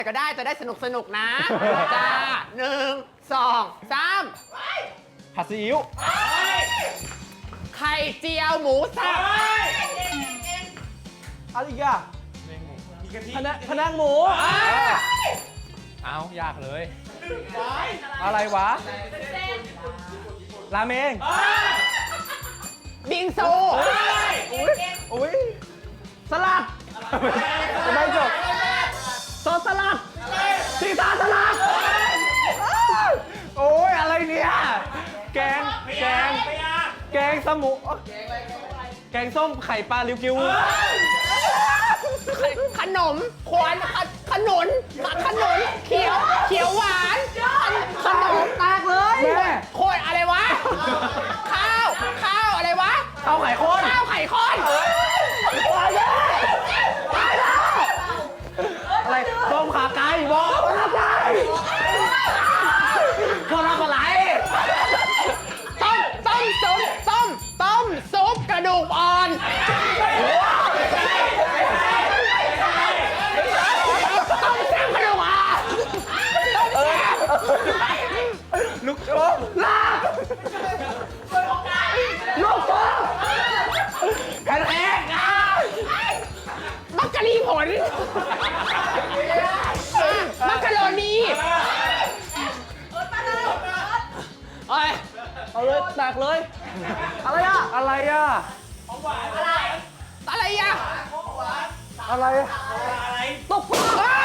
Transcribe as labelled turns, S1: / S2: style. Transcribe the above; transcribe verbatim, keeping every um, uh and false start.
S1: ก็ได้จะได้สนุกสนุกนะจ้าหนึ่งสองสาม
S2: ผัดซีอิ๊ว
S1: ไข่เจียวหมูสับ
S2: อะไรอีกอ่ะพะนักพะนักหมูเอายากเลย อะไรวะ ราเมง
S1: บิงซู
S2: อุ้ยสลัดจะได้จบซอสสลัดซีซ่าสลัดโอ้ยอะไรเนี่ย แกง แกง แกงสมูแกงส้มไข่ปลาลิวกิว
S1: ขนมขวานขนุนขนุนเขียวเขียวหวานขนม
S2: ตากเลยแม่
S1: โคตรอะไรวะ ข้าว ข้าวอะไรวะ
S2: ข้าวไข่ข้น
S1: ข้าวไข่ข้น
S2: อะไรต้มขาไก่บอกขาไก่เขาทำอะไร
S1: ต้มต้มซุปต้มต้มซุปกระดูกอ่อนต้มแซ่บกระดูกอ่อนต้มแซ่บ
S2: ลูกโจ๊กลาบลูกโจ๊กแผ่นแอกอ่ะ
S1: มักกะลีผลมักกะโรนีเอ้ย
S2: เอาเลยตักเลย อะไรอ่ะ อะไรอ่ะ
S1: อะไรอ่ะ
S2: อะไรตบปาก